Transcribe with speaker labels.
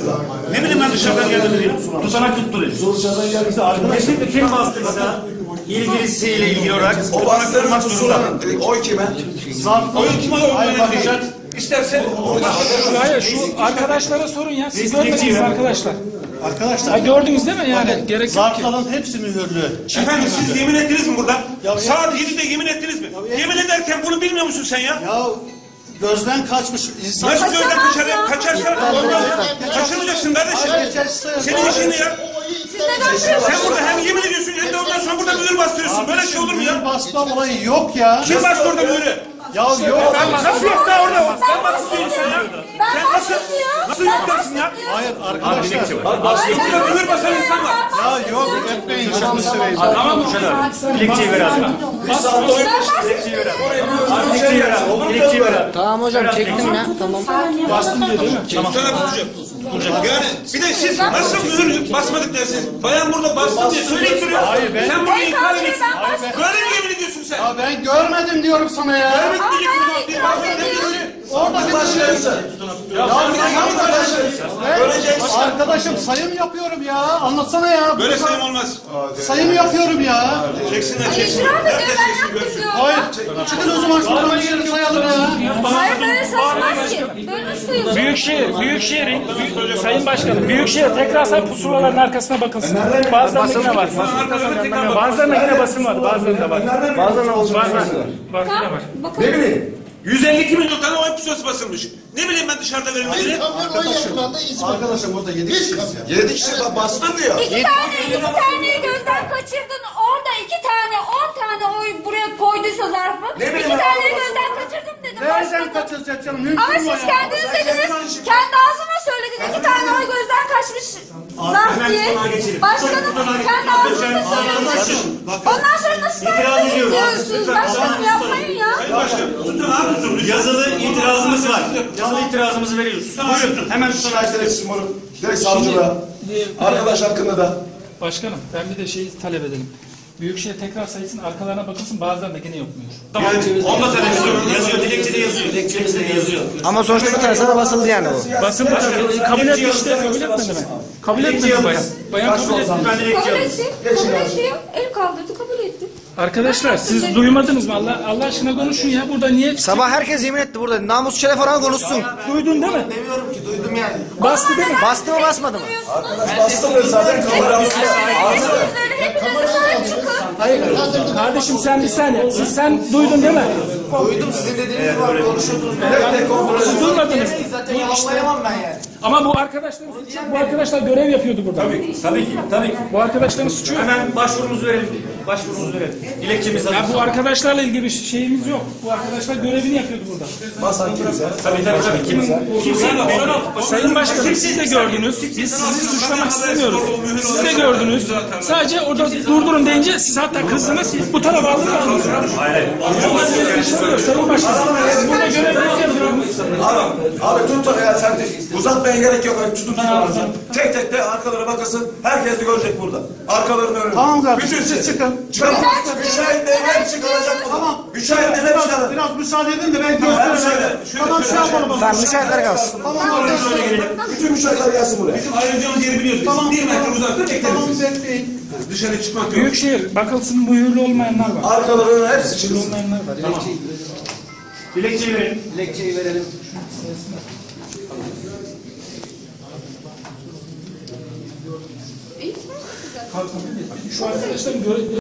Speaker 1: Ne bileyim ben dışarıdan geldim diye. Tutanak tutturuyor.
Speaker 2: Dışarıdan geldiyse arkadaşlar.
Speaker 1: Kesinlikle kim bastıysa ilgilisiyle ilgili olarak
Speaker 3: O bastırmak zorunda. Oy kime?
Speaker 1: oy kime oy İstersen
Speaker 4: Hayır, şu arkadaşlara sorun ya. Siz görmediniz arkadaşlar.
Speaker 2: Arkadaşlar.
Speaker 4: Ha, gördünüz değil mi yani? Gerek yok ki.
Speaker 2: Zarfların hepsi mühürlü.
Speaker 1: efendim siz yemin ettiniz mi burada? Saat 7'de yemin ettiniz mi? Yemin ederken bunu bilmiyor musun sen ya?
Speaker 2: Ya gözden kaçmış insan.
Speaker 1: Nasıl gözden kaçarsan kaçırmayacaksın kardeşim. Senin işin ne ya? Sen burada hem yemin ediyorsun hem de ondan sonra burada mühür bastırıyorsun. Böyle şey olur mu ya?
Speaker 2: Basma olayı yok ya.
Speaker 1: Kim bastı orada mühürü?
Speaker 2: Ya yok.
Speaker 1: Nasıl yok da orada? Sen nasıl değilsin ya? Sen nasıl yok dersin ya?
Speaker 2: Hayır arkadaşlar.
Speaker 1: Burada mühür basan insan var.
Speaker 2: Ya yok etmeyin. Şunu seveyim.
Speaker 1: Tamam mı?
Speaker 3: Dilekçeyi ver abi. Bir saat oy. Dilekçeyi ver abi. Dilekçeyi ver abi. Dilekçeyi ver abi.
Speaker 5: Tamam hocam çektim ya. Tamam.
Speaker 4: Bastım diyor değil mi?
Speaker 1: Tamam. Yani bir de siz nasıl mühür basmadık dersiniz? Bayan burada bastı diye söyleyip duruyor. Sen bunu inkar ediyorsun. Böyle mi yemin ediyorsun sen?
Speaker 2: Ya ben görmedim diyorum sana ya.
Speaker 1: Görmedik diyeceksin. Bir baktın demiyorsun.
Speaker 2: Orada bir
Speaker 3: Başlayırsa.
Speaker 2: Ya arkadaşım sayım yapıyorum ya. Anlatsana ya.
Speaker 1: Böyle sayım olmaz.
Speaker 2: Sayım yapıyorum ya.
Speaker 1: Çeksinler çeksinler.
Speaker 6: İcra ediyor,
Speaker 1: Herkes
Speaker 6: ben
Speaker 1: çeksin
Speaker 6: yaptım
Speaker 1: görsün.
Speaker 6: diyor.
Speaker 2: Hayır. Çıkın o zaman şuradan bir yeri sayalım ya.
Speaker 6: Hayır böyle sayılmaz ki. Böyle sayılır.
Speaker 4: Büyükşehir'in Sayın Başkanım, Büyükşehir tekrar say pusulaların arkasına bakılsın. Bazılarında yine var. Bazılarında yine basın var. Bazılarında var.
Speaker 3: Bazılarına olsun.
Speaker 4: Bazılarında var.
Speaker 6: Bakalım.
Speaker 3: Ne bileyim.
Speaker 1: 152 milyon tane oy pusulası basılmış. Ne bileyim ben dışarıda verilmediğini.
Speaker 2: Arkadaşım burada 7 kişiyiz ya.
Speaker 3: 7 kişi bastın diyor.
Speaker 6: İki taneyi gözden kaçırdın. Orada 10 tane oy buraya koyduysa zarfı.
Speaker 3: Ne bileyim
Speaker 6: İki
Speaker 3: ben,
Speaker 6: taneyi
Speaker 3: Allah
Speaker 6: gözden kaçırdım dedim.
Speaker 2: Nereden
Speaker 6: Başladım.
Speaker 2: kaçıracak canım? Mümkün
Speaker 6: Ama
Speaker 2: mü
Speaker 6: siz
Speaker 2: ya?
Speaker 6: kendiniz dediniz. Kendi ağzıma söylediniz. 2 tane oy gözden kaçmış zarf diye. Başkanım kendi ağzınıza söylediniz. Ondan sonra nasıl diyorsunuz? Başkanım yapmayın ya.
Speaker 1: Tutun abi tutun.
Speaker 7: Yazılı itirazımız var. Yazılı itirazımızı veriyoruz. Buyurun. Hemen
Speaker 3: Şikayet edeceksin bunu. Direkt savcılığa. Arkadaş hakkında da.
Speaker 4: Başkanım ben bir de şeyi talep edelim. Büyükşehir tekrar sayısın arkalarına bakılsın bazılarında yine yokmuyor.
Speaker 1: Tamam. Onda televizyon
Speaker 7: yazıyor, dilekçede yazıyor. Dilekçemizde de yazıyor.
Speaker 5: Ama sonuçta bir tanesi de basıldı yani bu.
Speaker 4: Basın kabul etmişti. Kabul etmedi mi? Kabul etmedi bayan. Bayan kabul etti.
Speaker 7: Ben dilekçe
Speaker 6: Kabul
Speaker 7: alayım.
Speaker 6: etti. Kabul etti. El kaldırdı kabul etti.
Speaker 4: Arkadaşlar siz duymadınız mı? Allah aşkına konuşun ya. Burada niye?
Speaker 5: Sabah herkes yemin etti burada. Namus şeref oranı konuşsun.
Speaker 4: Duydun değil mi?
Speaker 3: Demiyorum ki duydum yani.
Speaker 4: Bastı değil mi?
Speaker 5: Bastı mı basmadı mı?
Speaker 3: Arkadaş bastı zaten kamera alsın.
Speaker 6: Hepinize sahip çıkın.
Speaker 4: Hayır. Kardeşim sen bir saniye. Sen duydun değil mi?
Speaker 3: Duydum sizin dediğiniz var. Konuşuyordunuz.
Speaker 4: Siz duymadınız.
Speaker 3: Zaten yalanlayamam ben yani.
Speaker 4: Ama bu arkadaşların suçu yok. Bu arkadaşlar görev yapıyordu burada.
Speaker 7: Tabii ki.
Speaker 4: Bu arkadaşların suçu yok.
Speaker 7: Hemen başvurumuzu verelim. Başvurumuzu verelim. Dilekçemiz hazır.
Speaker 4: Ya bu arkadaşlarla ilgili bir şeyimiz yok. Bu arkadaşlar görevini yapıyordu burada.
Speaker 3: Basan kimse.
Speaker 7: Tabii.
Speaker 4: Sayın Başkanım siz de gördünüz. Biz sizi suçlamak istemiyoruz. Siz de gördünüz. Sadece orada durdurun deyince siz hatta kızdınız. Bu tarafa aldınız.
Speaker 7: Hayır.
Speaker 4: Sayın Başkanım burada görevini yapıyoruz.
Speaker 3: Abi tut da ya sen de uzatmaya gerek yok. Tutun tek tek de arkalara bakasın. Herkes de görecek burada. Arkalarını önünü.
Speaker 2: Tamam kardeşim
Speaker 3: Bütün
Speaker 2: siz çıkın.
Speaker 3: Çıkın. Müşahit devlet çıkaracak.
Speaker 2: Tamam.
Speaker 3: Müşahit devlet çıkaracak.
Speaker 2: Biraz müsaade edin de ben göstereyim. Tamam şey yapalım.
Speaker 5: Tamam müşahitler kalsın.
Speaker 2: Tamam
Speaker 3: Bütün müşahitler gelsin buraya.
Speaker 1: Bizim ayrılacağımız yeri biliyoruz.
Speaker 2: Tamam.
Speaker 1: Biz 1 metre uzakta bekleriz.
Speaker 2: Tamam bekleyin.
Speaker 1: Dışarı çıkmak yok.
Speaker 4: Büyükşehir bakılsın mühürlü olmayanlar var.
Speaker 3: Arkalarının hepsi çıksın.
Speaker 4: Olmayanlar var.
Speaker 7: Dilekçeyi verelim.
Speaker 5: Dilekçeyi verelim.
Speaker 4: Şu arkadaşların görev